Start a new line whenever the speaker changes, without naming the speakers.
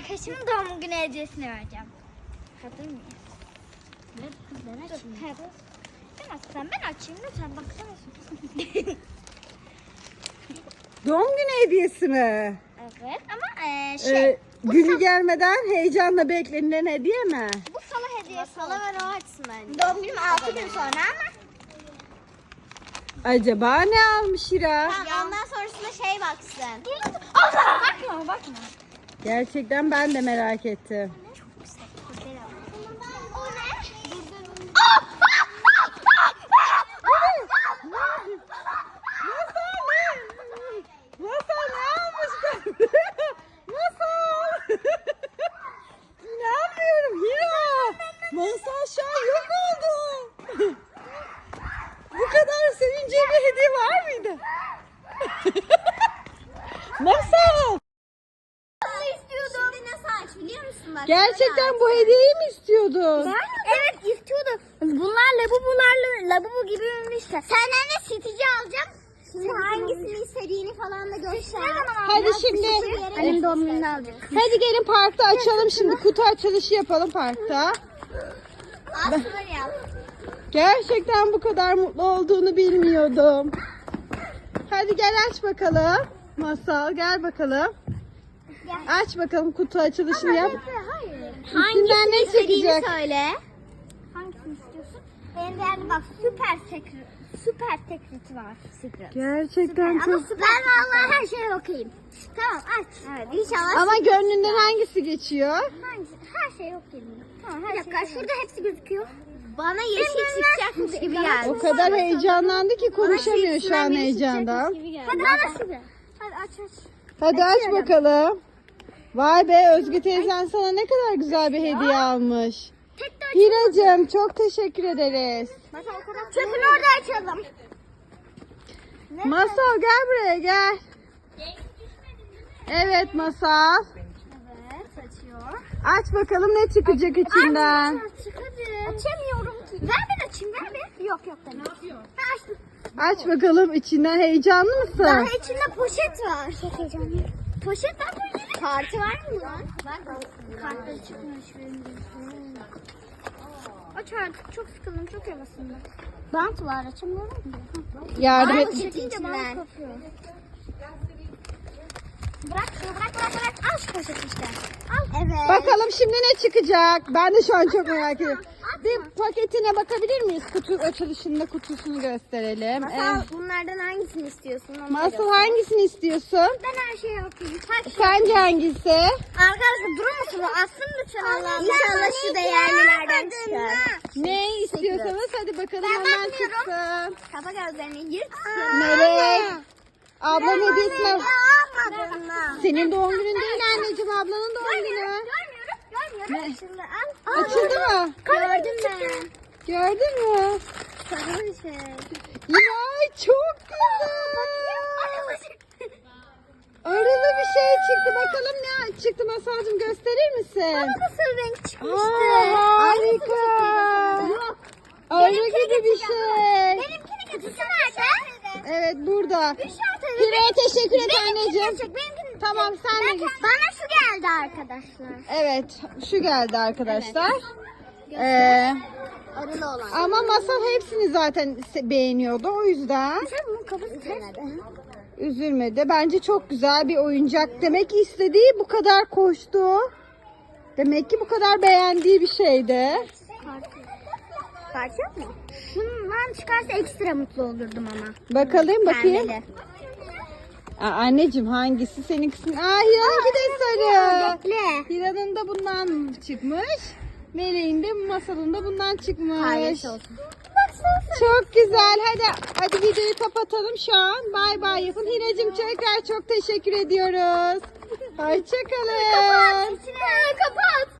arkadaşımın doğum günü hediyesini vereceğim. Hazır mıyız?
Evet kız ben açayım.
Hadi. Ben açsam ben açayım lütfen baksana.
Doğum günü hediyesi mi?
Evet ama
Günü gelmeden heyecanla beklenilen hediye mi?
bu salı hediyesi.
Salı ver o açsın bence.
Doğum günüm 6 gün sonra ama.
Acaba ne almış Hira?
Tamam, ondan sonrasında şey baksın.
Allah bakma.
Gerçekten ben de merak ettim.
O ne?
Masal ne almış? Masal. İnanmıyorum Hira. Masal şu an yok oldu. Bu kadar sevince bir hediye var mıydı? Masal.
Şimdi nasıl aç biliyor musun? Bak,
Gerçekten bu hediyeyi mi istiyordun?
Evet istiyordum. Bunlar labubu gibi ünlüyse. Senden de sitici alacağım.
Şimdi hangisini istediğini falan da göster.
Hadi şimdi.
Benim doğum gününü alacak.
Hadi gelin parkta açalım şimdi. Kutu açılışı yapalım parkta.
Aslında yap.
Gerçekten bu kadar mutlu olduğunu bilmiyordum. Hadi gel aç bakalım. Masal gel bakalım. Aç bakalım kutu açılışını yap.
Hayır.
İçinden ne çıkacak?
Söyle.
Hangisini istiyorsun? Benim de yani bak süper sekreti var. Secret.
Gerçekten
Ama
çok.
süper. Ben vallahi her şeye okuyayım. Tamam aç.
Evet inşallah.
Ama gönlünden hangisi geçiyor?
Hangisi? Her şeye okuyayım. Tamam her dakika şurada hepsi gözüküyor.
Bana yeşil çıkacakmış gibi geldi.
O kadar heyecanlandı ki konuşamıyor şu an heyecandan.
Hadi bana şurada. Hadi aç.
Hadi aç bakalım. Vay be Özgü teyzen sana ne kadar güzel bir hediye almış.
Tek de
Hiracığım çok teşekkür ederiz.
Çöpünü orada açalım.
Masal gel buraya gel. Evet Masal.
Evet açıyor.
Aç bakalım ne çıkacak içinden.
Çık hadi. Açamıyorum ki. Ver ben açayım ver bir. Yok ben açıyorum. Ben açtım.
Aç bakalım içinden heyecanlı
Daha
mısın?
içinde poşet var. Çok heyecanlıyım. Poşet var mı?
Kartı var mı lan?
Kartları çıkmış benim de. Aç artık çok sıkıldım çok havasında. Bant var açamıyorum ki.
Yardım et.
Poşetin
Çekince bant
içinden.
kopuyor. Bırak. Al şu poşeti işte. Al.
Evet.
Bakalım şimdi ne çıkacak? Ben de şu an çok merak ediyorum. Bir paketine bakabilir miyiz? Kutu açılışında kutusunu gösterelim.
Masal bunlardan hangisini istiyorsun? Onu
Masal hangisini istiyorsun?
Ben her şeyi okuyayım.
Sence hangisi?
Arkadaşlar durur musunuz? Aslım lütfen Allah'ım.
İnşallah şu değerlilerden çıkar.
Ne istiyorsanız hadi bakalım hemen çıksın.
Kapa gözlerini yırt.
Melek. Ablan hediyesine.
Almadın mı?
Senin doğum günün değil anneciğim, ablanın doğum günü.
Görmüyorum.
Ne?
Şimdi al.
Açıldı mı?
Gördün mü?
Gördün mü?
Sarı bir şey.
Ya çok güzel. Arılı bir şey çıktı. Bakalım ne çıktı Masalcığım, gösterir misin?
Nasıl renk çıkmıştı?
Aa, harika.
Yok.
Arı gibi bir şey.
Benimkini getirsene nerede?
Evet burada.
Şurada.
Hira'ya teşekkür et anneciğim.
Benimkini.
Tamam sen de git.
Bana şu geldi arkadaşlar.
Evet şu geldi arkadaşlar.
Arılı olan.
Ama Masal hepsini zaten beğeniyordu, o yüzden
Sen bunun kafası ters.
üzülmedi. Bence çok güzel bir oyuncak. Demek ki istediği bu kadar koştu. Demek ki bu kadar beğendiği bir şeydi.
Parça mı? Şundan çıkarsa ekstra mutlu olurdum ama.
Bakalım bakayım.
Pembeli.
Anneciğim hangisi senin kısmın? Hira'nınki de sarı.
Bekle.
Hira'nın da bundan çıkmış. Meleğin de Masal'ın da bundan çıkmış.
Hayırlısı olsun.
Çok güzel. Hadi videoyu kapatalım şu an. Bay bay yapın. Hiracığım tekrar çok teşekkür ediyoruz. Hoşçakalın.
İçine kapat.